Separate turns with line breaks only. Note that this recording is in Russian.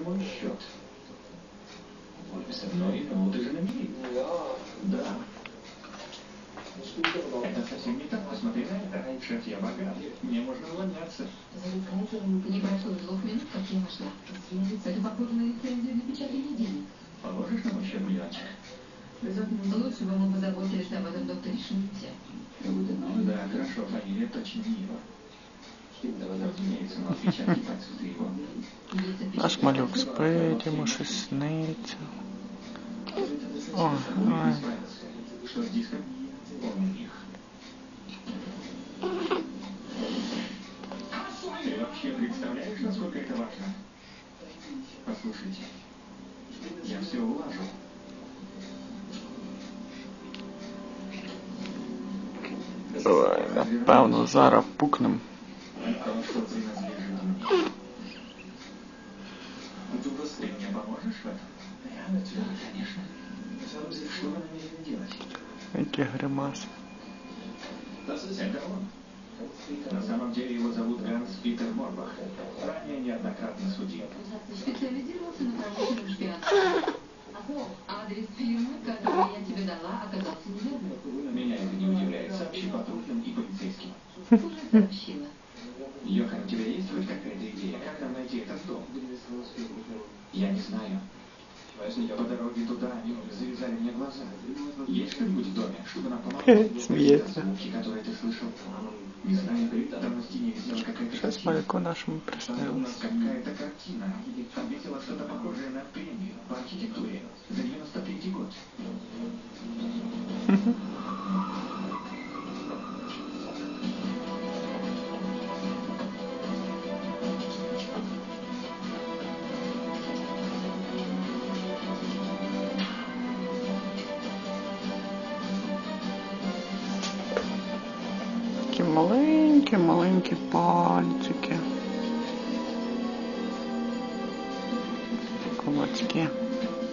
мой счет. Ну, ты же на мели. Да. Это совсем не так. Посмотри на это. Шеф, я богат. Мне можно увольняться.
Не прошло 2 минут, как я вошла. Это похоже на лицензию для печатания денег.
Положишь на мой счет миллиончик?
Лучше бы мы позаботились об этом докторе Шмидте.
Да, хорошо, фамилия точно не его. Разумеется, но отпечатки пальцев ты его.
Наш малюк спить, йому щось сниться. Ой.
Что с диском? Помни их. Ты вообще представляешь, насколько это важно? Послушайте, я все улажу.
Ой, напевно, зараз пукнем.
То, что принадлежит мне. Ты мне поможешь в этом? Да, конечно. Что вы намерены делать?
Які гримаси.
Это он. На самом деле его зовут Ганс Питер Морбах. Ранее неоднократно судим.
Специализировался на промышленном шпионаже. Адрес фирмы, которую я тебе дала, оказался неверным.
Меня это не удивляет. Сообщи патрульным и полицейским.
Уже сообщила.
Йохан, у тебя есть хоть какая-то идея, как нам найти этот дом? Я не знаю. По дороге туда они завязали мне глаза. Есть что-нибудь в доме, чтобы нам помогло?
Смеется.
Звуки, которые ты слышал. Не знаю, там на стене висела какая-то
Щось
картина.
малюку нашому
Там у
приснилось.
нас какая-то картина. Там висело что-то похожее на премию по архитектуре за 93-й год.
Такі маленькі пальчики. Кулачки.